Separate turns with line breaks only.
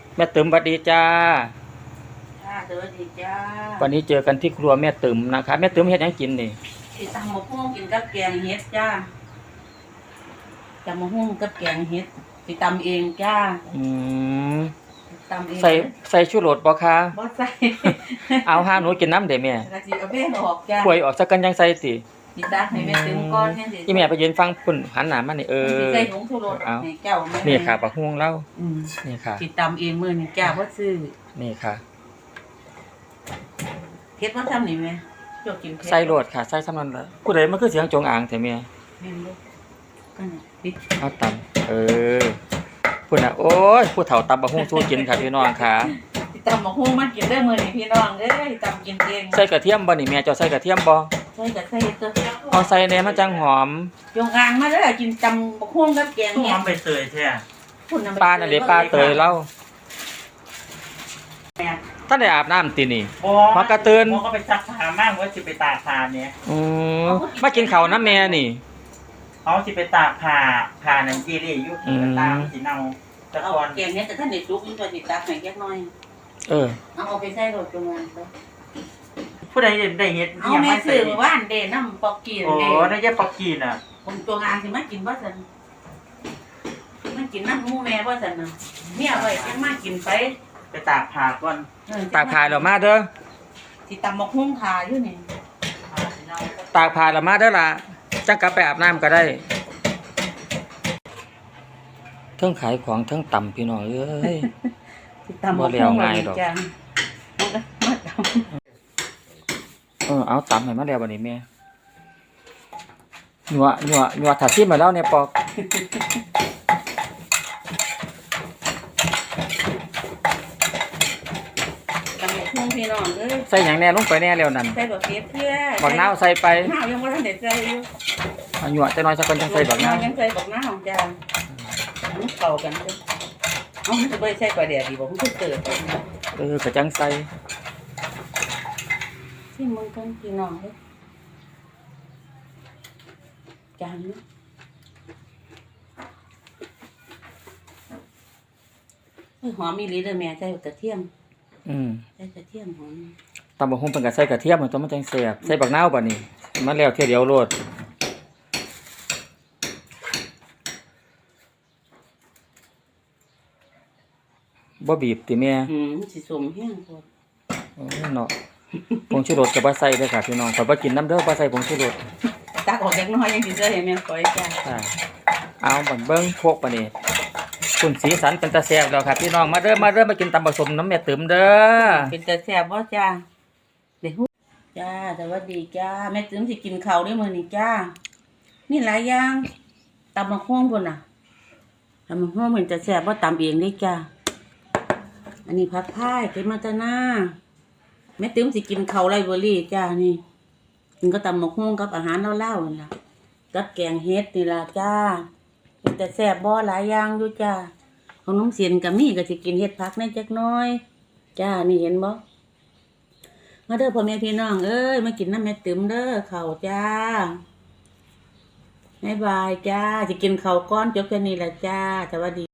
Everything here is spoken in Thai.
แม่ตึมสวัสดีจ้า
จ้าสวัสดีจ้า
วันนี้เจอกันที่ครัวแม่ตึมนะคะแม่ตึมเฮ็ดหยังกินนี่
สิตำมะฮุ่งกินกับแกงเห็ดจ้าตำมะฮุ่งกับแกงเห็ดสิตำเองจ้า
อืม
ตำเอง
ใส่ชูรสบ่คะ
บ่ใส่
เอาหาหนูกินน้ำเด้แม่
กะสิเอาแป้งออกจ้า
ป่วยออกสักกันยังใส่ติ
สิตักให้แม่ตึมก่อนแค่สิ
ที่แม่ไปยืนฟังพุ่นหันหน้ามานี่
สิใส่ผงชูรสให้เจ้าแม่
นี่ค่ะบักฮุ่งเล่านี่ค่ะ
สิตำเองมื้อนี้จ้าบ่ซื้อ
นี่ค่ะ
เฮ็ดบ่ทำนี่แม่จกกินเผ็ด
ใส่โลดค่ะใส่ซ้ำนั้นล่ะผู้ใดมันคือเสียงจงอางแท้แม่
แม่นบ่กันปิด
เอาตำพุ่นน่ะโอ้ยผู้เฒ่าตำบักฮุ่งสู้กินค่ะพี่น้องค่ะ
สิตำมะฮุ่งมากินได้มื้อนี้พี่น้องเอ้ยตำกินเอง
ใส่กระเทียมบ่นี่แม่เจ้าใส่กระเทียมบ่
ใส่ก็ใส่ตัว
เอาใส่แหน่มันจังหอม
จงอางมาเด้อกินตำบักฮุ่งกับแกง
หอมไปเตยแท้
ปลาน่ะเด้ปลาเตยเล่าท่านได้อาบน้ำตินี่พอกระเตือน
ก็ไปซักผ้ามากว่าสิไปตากผ้าเนี่ย
มากินข้าวน้ำแม่นี่
เขาสิไปตากผ้านั่นจีรี่อยู่ที่ตามสิเนาตะกอน
แกงเนี้ยแต่ท่านเด็ดลุกนี่ตัวติดตาแข็งแยกน้อยเอาไปใส่รถจงอาง
ผู้ใดได้เฮ็ด
เอาแม่ซื้อว่านเดน้ำปอกกีนเด
ได้ยาปอกกีนอ่ะ
ผมจงอางสิมากินบ่สันมันกินน้ำมูแม่บ่สันน่ะเนี่ยไว้ยังมากินไป
ตากผ้าก่อน
ตากผ้าแล้วมาเด้อ
สิตำบักหุ่งทาอยู่นี่
ตากผ้าแล้วมาเด้อล่ะจังกลับไปอาบน้ำก็ได้เทิงขายของเทิงต่ำพี่น้องเอ้ยบ่แล้วง่ายดอกเอาต่ำให้มาแล้วบัดนี้แม่หนัวถ้าซิมมาแล้วเนี่ยปอก
พี่น้องเอ้ย
ใส่หยังแน่ลงไปแน่แล้วนั่น
ใส่บักเก็บเพื่อ
บักนาวใส่ไป
นาวยังบ่ทันได้ใส่อยู่
หนัวแต่น้อยสักคนจังใส่บักนาว
ยังใส่บักนาวจ้ามันเข้ากันเด้อเอามันจะบ่ใส่ปลาแดดดีบ่มันคือเติบ
ก็จังใส่
ที่มึงกันพี่น้องเด้อจานนี้หอมมีหลีเด้อแม่ใส่กระเทียมใส่กระเทียมหอม
ตำบักหุ่งเป็นกับใส่กระเทียมมันต้องมันจังแซ่บใส่บักนาวบัดนี้มันแล้วเที่ยวเดียวโลดบ่บีบติแม่
สิสมแห้งพอ
เนาะผงชูรสก็บ่ใส่เด้อค่ะพี่น้องข่อยบ่กินน้ำเด้อบ่ใส่ผงชูรส
ตักออกจักน้อยยังสิใส่ให้แม่ฝอยจ้า
เอาบัดเบิ่งพวกบัดนี้คุณสีสันเป็นตาแซ่บแล้วครับพี่น้องมาเด้อมากินตำผสมน้ำแม่ตึมเด้อ
เป็นตาแซ่บบ่จ้าเดี๋ยวจ้าสวัสดีจ้าแม่ตึมสิกินข้าวด้วยมื้อนี้จ้านี่หลายอย่างตำบักหุ่งพุ่นน่ะตำบักหุ่งเหมือนตาแซ่บบ่ตำเองเด้จ้าอันนี้ผักพายเก็บมาจากนาแม่ตึมสิกินข้าวไรเบอรี่จ้านี่กินก็ตำบักหุ่งกับอาหารเล่าๆนั่นล่ะกับแกงเฮ็ดนี่ล่ะจ้าเป็นแต่แซ่บบ่หลายอย่างอยู่จ้าของน้องเสียนกับมี่ก็สิกินเฮ็ดผักในจักน้อยจ้านี่เห็นบ่มาเด้อพ่อแม่พี่น้องเอ้ยมากินน้ำแม่ตึมเด้อข้าวจ้าบ๊ายบายจ้าสิกินข้าวก้อนจบแค่นี้แหละจ้าสวัสดี